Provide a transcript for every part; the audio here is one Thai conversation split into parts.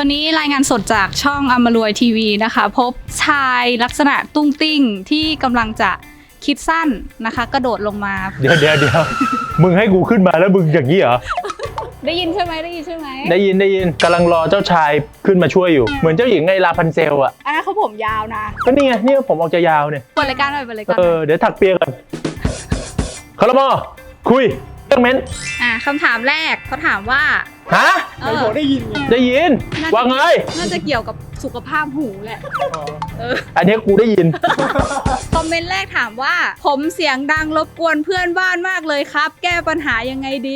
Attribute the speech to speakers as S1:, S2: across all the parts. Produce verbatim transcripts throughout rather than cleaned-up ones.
S1: ตัวนี้รายงานสดจากช่องอมรวยทีวีนะคะพบชายลักษณะตุ้งติ้งที่กำลังจะคิดสั้นนะคะกระโดดลงมา
S2: เดี๋ยวเดี๋ยวเดี๋ยวมึงให้กูขึ้นมาแล้วมึงอย่างนี้เหรอ
S1: ได้ยินใช่ไหมได้ยินใช่ไหม
S2: ได้ยินได้ยินกำลังรอเจ้าชายขึ้นมาช่วยอยู่เหมือนเจ้าหญิงไงลาพันเซลอะ
S1: อันนั้นเขาผมยาวนะ
S2: ก็นี่ไงนี่ผมออกจะยาวเนี่ย
S1: เปิดรายการหน่อยเปิดรายการ
S2: เออเดี๋ยวถักเปียก่อนคาร์มอคุยเรื่องเม้น
S1: อ่าคำถามแรกเขาถามว่า
S2: ฮะ
S3: ไหนบอกได้ยินไง
S2: ได้ยินว่าไง
S1: น่าจะเกี่ยวกับสุขภาพหูแหละเออ
S2: อันนี้กูได้ยิน
S1: คอมเมนต์แรกถามว่าผมเสียงดังรบกวนเพื่อนบ้านมากเลยครับแก้ปัญหายังไงดี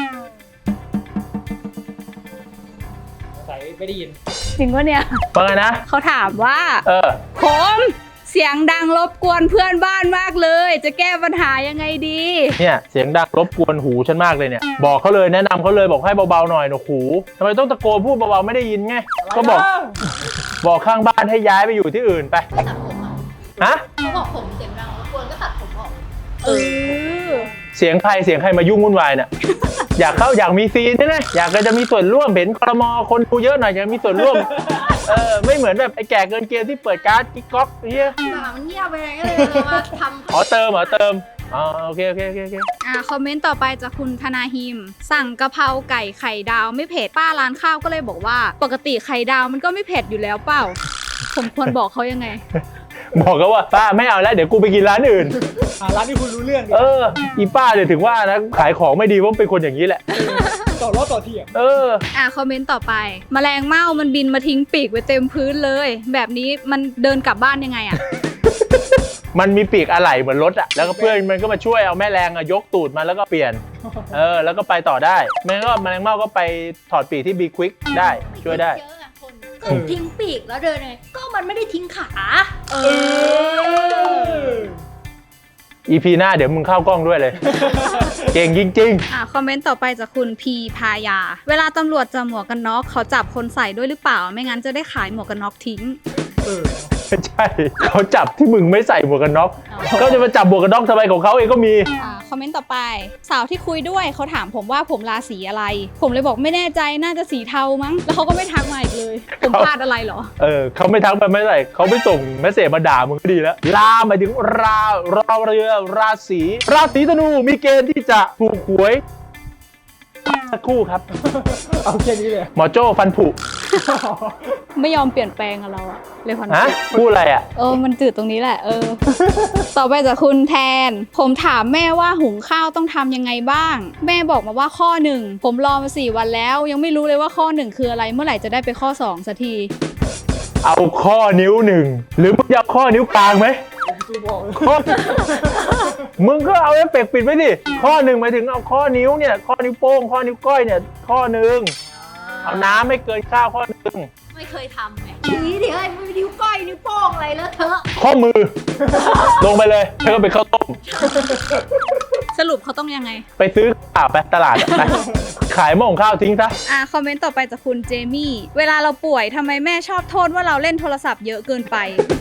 S3: ใส่ไม่ได้ยิน
S1: จริงวะเนี่ย
S2: ว่าไงนะ
S1: เขาถามว่า
S2: เออ
S1: ผมเสียงดังรบกวนเพื่อนบ้านมากเลยจะแก้ปัญหายังไงดี
S2: เนี่ยเสียงดังรบกวนหูฉันมากเลยเนี่ยบอกเขาเลยแนะนำเขาเลยบอกให้เบาๆหน่อยหนูหูทำไมต้องตะโกนพูดเบาๆไม่ได้ยินไงก็บอกบอกข้างบ้านให้ย้ายไปอยู่ที่อื่นไป
S4: ตัดผมอ่ะ
S2: ฮะ
S4: เขาบอกผมเสียงดังรบกวนก็ตัดผมออก
S1: เออ
S2: เสียงใครเสียงใครมายุ่งวุ่นวายเนี่ยอยากเข้าอยากมีซีนใช่ไหมอยากจะมีส่วนร่วมเห็นครมคนดูเยอะหน่อยอยากมีส่วนร่วมเออไม่เหมือนแบบไอ้แก่เกินเกณฑ์ที่เปิดการ์ดกิ๊กก๊อกเฮีย
S4: มันเงียบไปเลยก็เลยมาทำ
S2: อ๋อเติมเหรอเติมอ๋อโอเคโอเคโอเคโอเค
S1: อ่าคอมเมนต์ต่อไปจากคุณธนาฮิมสั่งกะเพราไก่ไข่ดาวไม่เผ็ดป้าร้านข้าวก็เลยบอกว่าปกติไข่ดาวมันก็ไม่เผ็ดอยู่แล้วเปล่าผมควรบอกเขายังไง
S2: บอกเขาว่าป้าไม่เอาแล้วเดี๋ยวกูไปกินร้านอื่น
S3: ร้านที่คุณรู้เรื่อง
S2: เอออีป้าเดี๋ยวถึงว่านะขายของไม่ดีเพราะเป็นคนอย่างนี้แหละ
S3: ต่อรอบต่อเทียบ
S2: เออ
S1: อ่าคอมเมนต์ต่อไปแมลงเม่ามันบินมาทิ้งปีกไว้เต็มพื้นเลยแบบนี้มันเดินกลับบ้านยังไงอ่ะ
S2: มันมีปีกอะไหล่เหมือนรถอะแล้วก็เพื่อนมันก็มาช่วยเอาแม่แรงอะยกตูดมาแล้วก็เปลี่ยนเออแล้วก็ไปต่อได้แม่ก็แมลงเม่าก็ไปถอดปีกที่บีควิกได้ช่วยได้
S4: ก็ทิ้งปีกแล้วเดินไงก็มันไม่ได้ทิ้งขาเอ
S2: อ อี พี หน้าเดี๋ยวมึงเข้ากล้องด้วยเลย เก่งจริง
S1: ๆอ่าคอมเมนต์ต่อไปจากคุณพีพายาเวลาตำรวจจับหมวกกันน็อกเขาจับคนใส่ด้วยหรือเปล่าไม่งั้นจะได้ขายหมวกกันน็อกทิ้ง
S2: ใช่เขาจับที่มึงไม่ใส่หมวกกันน็อกก็จะมาจับหมวกกันน็อกทำไมของเขาเองก็มี
S1: อ่าคอมเมนต์ต่อไปสาวที่คุยด้วยเขาถามผมว่าผมราศีอะไรผมเลยบอกไม่แน่ใจน่าจะสีเทามั้งแล้วเขาก็ไม่ทักมาอีกเลยผมพลาดอะไรเหรอ
S2: เออเขาไม่ทักไปไม่ใส่เขาไม่ส่งเมสเสจมาด่ามึงก็ดีแล้วลาหมายถึงรารอเรือราศีราศีธนูมีเกณฑ์ที่จะถูกหวยสักครู่ครับ
S3: เอาแค่นี้เลย
S2: หมอโจ้ฟันผุ
S1: ไม่ยอมเปลี่ยนแปลงกับเราอะเลยฟันผุ
S2: พูดอะไรอะ
S1: เออมันจืดตรงนี้แหละเออต่อไปจากคุณแทนผมถามแม่ว่าหุงข้าวต้องทำยังไงบ้างแม่บอกมาว่าข้อหนึ่งผมรอมาสี่วันแล้วยังไม่รู้เลยว่าข้อหนึ่งคืออะไรเมื่อไหร่จะได้ไปข้อสองสักที
S2: เอาข้อนิ้วหนึ่งหรือมึงจะเอาข้อนิ้วกลางไหมข้อมึงก็เอาเอฟเฟกต์ปิดไว้ดิข้อหนึ่งหมายถึงเอาข้อนิ้วเนี่ยข้อนิ้วโป้งข้อนิ้วก้อยเนี่ยข้อหนึ่งเอาน้ำไม่เกินข้าวข้อหนึ่ง
S4: ไม่เคยทำไงทีนี้เดี๋ยวไอ้นิ้วก้อยนิ้วโป้งอะไรแล้วเธอ
S2: ข้อมือลงไปเลยแล้วก็ไปข้าวต้ม
S1: สรุปเขาต้องยังไง
S2: ไปซื้อข้าวไปตลาดไปขายหม้อข้าวทิ้งซะ
S1: อ่าคอมเมนต์ต่อไปจากคุณเจมี่เวลาเราป่วยทำไมแม่ชอบโทษว่าเราเล่นโทรศัพท์เยอะเกินไป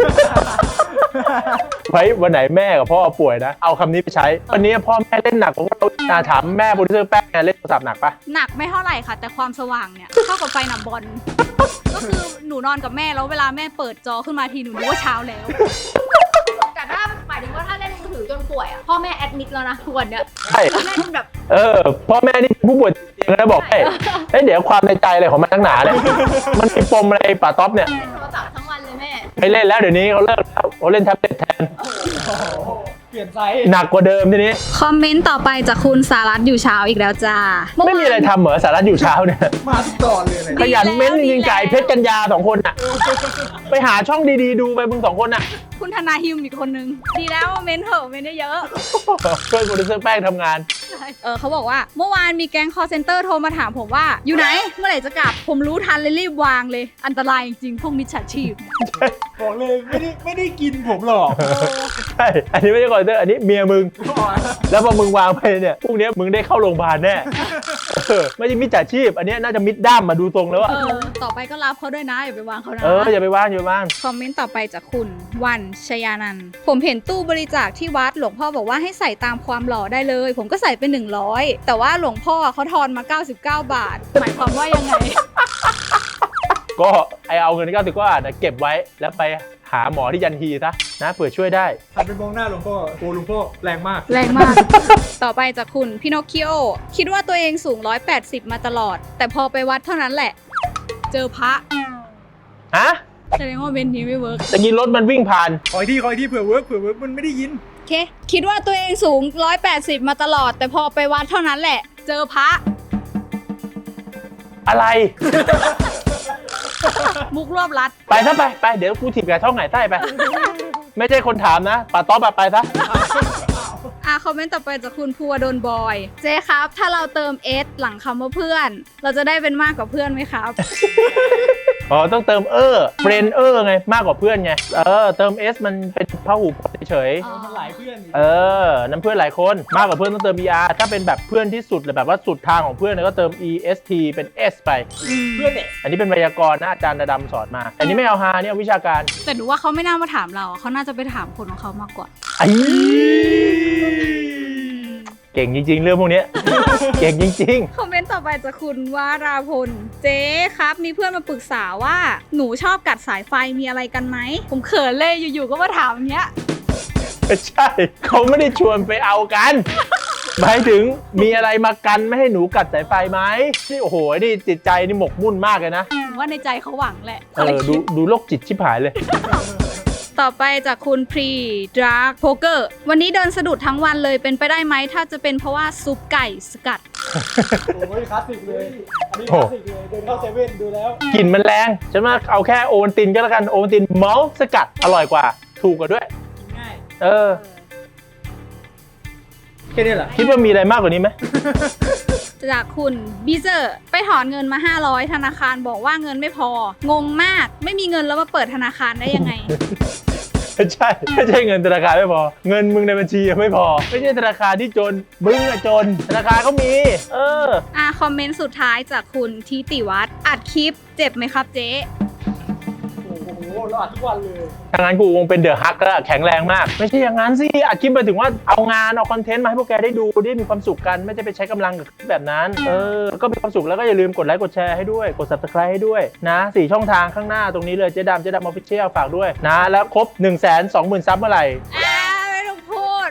S2: ไว้วันไหนแม่กับพ่อป่วยนะเอาคำนี้ไปใช้วันนี้พ่อแม่เล่นหนักผมก็ถามแม่โปรดิวเซอร์แป้งเล่นโทรศัพท์หนักปะ
S1: หนักไม่เท่าไหร่ค่ะแต่ความสว่างเนี่ยเท่ากับไฟหนับบอลก็คือหนูนอนกับแม่แล้วเวลาแม่เปิดจอขึ้นมาทีหนูรู้ว่าเช้าแล้ว
S4: แต่ถ้าหมายถึงว่าถ้าเล่นมือถือจนป่วยอ่ะพ่อแม่แอดมิดแล้วนะทุกวันเนี้ย
S2: ใช่
S4: เล่นแบบ
S2: เออพ่อแม่นี่ผู้ป่วยเตียงนะบอกให้เอ้ยเดี๋ยวความในใจอะไรของมันทั้งหนาเลยมันมีปมอะไรป่าต๊อปเนี่ย
S4: เล่นโทรศัพท์ทั้งวันเลยแม่
S2: ไม่เล่นแล้วเดี๋ยวนี้เขาเลิกแล้วเขาเล่นแท็บเล็ตแทน
S3: เปลี่ยนไซส์
S2: หนักกว่าเดิมทีนี้
S1: คอมเมนต์ต่อไปจากคุณสารัตอยู่เช้าอีกแล้วจ้า
S2: ไม่มีอะไรทำเหรอสารัตอยู่เช้าเนี่ย
S3: มาทุกตอนเลย
S2: ขยันเม้นจริงๆไก่เพชรกัญญาสองคนอ่ะไปหาช่องดีๆดูไปมึงสองคนอ่ะ
S1: คุณธนาฮิมอีกคนนึงดีแล้วเม้นเถอะเม้นเยอะ
S2: เพื่อนโปรดิวเซอร์แป้งทำงาน
S1: เออเขาบอกว่าเมื่อวานมีแก๊งคอลเซ็นเตอร์โทรมาถามผมว่าอยู่ไหนเมื่อไหร่จะกลับผมรู้ทันเลยรีบวางเลยอันตรายจริงๆพวกมิจฉาชีพ
S3: บอกเลยไม่ได้ไม่ได้กินผมหรอก
S2: ใช่อันนี้ไม่ใช่คอลเซ็นเตอร์อันนี้เมียมึงแล้วพอมึงวางไปเนี่ยพวกนี้มึงได้เข้าโรงพยาบาลแน่ไม่ใช่มิจฉาชีพอันนี้น่าจะมิดด้ามมาดูตรงแล้ว
S1: เออต่อไปก็รับเขาด้วยนะอย่าไปวางเขานะ
S2: เอออย่าไปวางอย่าไปวาง
S1: คอมเมนต์ต่อไปจากคุณวันชยานันท์ผมเห็นตู้บริจาคที่วัดหลวงพ่อบอกว่าให้ใส่ตามความหล่อได้เลยผมก็ใส่ไปหนึ่งร้อยแต่ว่าหลวงพ่อเขาทอนมาเก้าสิบเก้าบาทหมายความว่ายังไง
S2: ก็ไอเอาเงินเก้าสิบกว่าบาทนะเก็บไว้แล้วไปหาหมอที่ยันฮีซะนะเผื่อช่วยได้
S3: หันไปมองหน้าหลวงพ่อโอ้หลวงพ่อแรงมาก
S1: แรงมาก ต่อไปจากคุณพินอคคิโอคิดว่าตัวเองสูงหนึ่งร้อยแปดสิบมาตลอด แต่พอไปวัดเท่านั้นแหละ เจอพระ
S2: ฮะ
S1: แสดงว่าเบนนี้ไม่เวิร์ก
S2: ตะกี้รถมันวิ่งผ่าน
S3: คอยที่คอยที่เผื่อเวิร์กเผื่อเวิร์กมันไม่ได้ยิน
S1: โอเค คิดว่าตัวเองสูงหนึ่งร้อยแปดสิบมาตลอด แต่พอไปวัดเท่านั้นแหละ เจอพระ
S2: อะไร
S1: มุกรวบรัด
S2: ไปซะไปไปเดี๋ยวกูถีบไก่ท้องไก่ใต้ไป ไม่ใช่คนถามนะป่าต๊อบอะไปซะ
S1: อ่ะคอมเมนต์ต่อไปจากคุณภูวดลบอย เจ๊ครับ ถ้าเราเติม S หลังคำว่าเพื่อน เราจะได้เป็นมากกว่าเพื่อนไหมครับ
S2: อ๋อต้องเติมเออเฟรนเออร์ไงมากกว่าเพื่อนไงเออเติม S มันเป็นพหูพจน์เฉย
S1: อ๋อ
S3: มันหลายเพื่อน
S2: ๆเออน้ำเพื่อนหลายคนมากกว่าเพื่อนต้องเติม er ถ้าเป็นแบบเพื่อนที่สุดเลยแบบว่าสุดทางของเพื่อนก็เติม est เป็น s ไป
S3: เพื่อนเนี่ย
S2: อันนี้เป็นไวยากรณ์นะอาจารย์ดำสอนมา อันนี้ไม่เอาฮาเนี่ยเอาวิชาการ
S1: แต่หนูว่าเขาไม่น่ามาถามเราเขาน่าจะไปถามคนของเขามากกว่า
S2: ไอ้เก่งจริงๆ เรื่องพวกเนี้ย เก่งจริง
S1: คอมเมนต์ต่อไปจากคุณวาราพล เจ๊ครับ มีเพื่อนมาปรึกษาว่าหนูชอบกัดสายไฟมีอะไรกันไหม ผมเขินเลยอยู่ๆก็มาถามอย่างเงี้ย
S2: ๆ ไม่ใช่ เขาไม่ได้ชวนไปเอากัน หมายถึงมีอะไรมากันไม่ให้หนูกัดสายไฟไหมนี่โอ้โหนี่จิตใจนี่หมกมุ่นมากเลยนะ
S1: ผมว่าในใจเขาหวังแหละ
S2: เออดูดูโรคจิตชิบหายเลย
S1: ต่อไปจากคุณพรีดราร์กโพเกอร์วันนี้เดินสะดุดทั้งวันเลยเป็นไปได้ไหม ถ้าจะเป็นเพราะว่าซุปไก่สกัด
S3: โอ้ยคลาสสิกเลย อันนี้คลาสสิกเลย เดินเข้าเซเว่นดูแล้ว
S2: กลิ่นมันแรงฉันว่าเอาแค่โอวัลตินก็แล้วกันโอวัลตินเมาส์สกัดอร่อยกว่า ถูกกว่าด้วย
S3: กินง่าย
S2: เออ
S3: แค่นี้เหรอ
S2: คิดว่ามีอะไรมากกว่านี้ไหม
S1: จากคุณบีเซอร์ไปถอนเงินมา ห้าร้อย ธนาคารบอกว่าเงินไม่พอ งงมากไม่มีเงินแล้วมาเปิดธนาคารได้ยังไง
S2: ไม่ใช่ไม่ใช่เงินธนาคารไม่พอ เงินมึงในบัญชียังไม่พอ ไม่ใช่ธนาคารที่จนมึงอะจน ธนาคารก็มี เออ
S1: อ่ะคอมเมนต์สุดท้ายจากคุณทิติวัฒน์อัดคลิปเจ็บไหมครับเจ๊
S3: โอ้โห เราอัดทุกวันเลย
S2: ทางนั้นกูคงเป็นเดอะฮักแล้วแข็งแรงมาก ไม่ใช่อย่างนั้นสิอัดคลิปไปถึงว่าเอางานเอาคอนเทนต์มาให้พวกแกได้ดูได้มีความสุขกันไม่ใช่ไปใช้กำลังกับแบบนั้น เออ ก็มีความสุขแล้วก็อย่าลืมกดไลค์กดแชร์ให้ด้วยกด ซับสไครบ์ ให้ด้วยนะสี่ช่องทางข้างหน้าตรงนี้เลยเจ๊ดำเจ๊ดำออฟฟิเชียลฝากด้วยนะแล้วครบ หนึ่งแสนสองหมื่น ซับเมื่อไหร่
S1: อ่าไม่ต้องพูด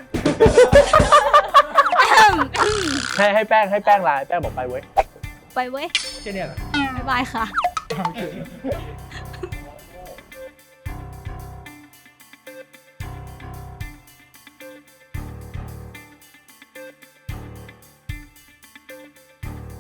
S2: ให้ให้แป้งให้แป้งไลน์แป้งบอกไปเว้ย
S1: ไปเว้ย
S3: แค่นี้เหรอ
S1: บ๊ายบายค่ะ
S3: โอเค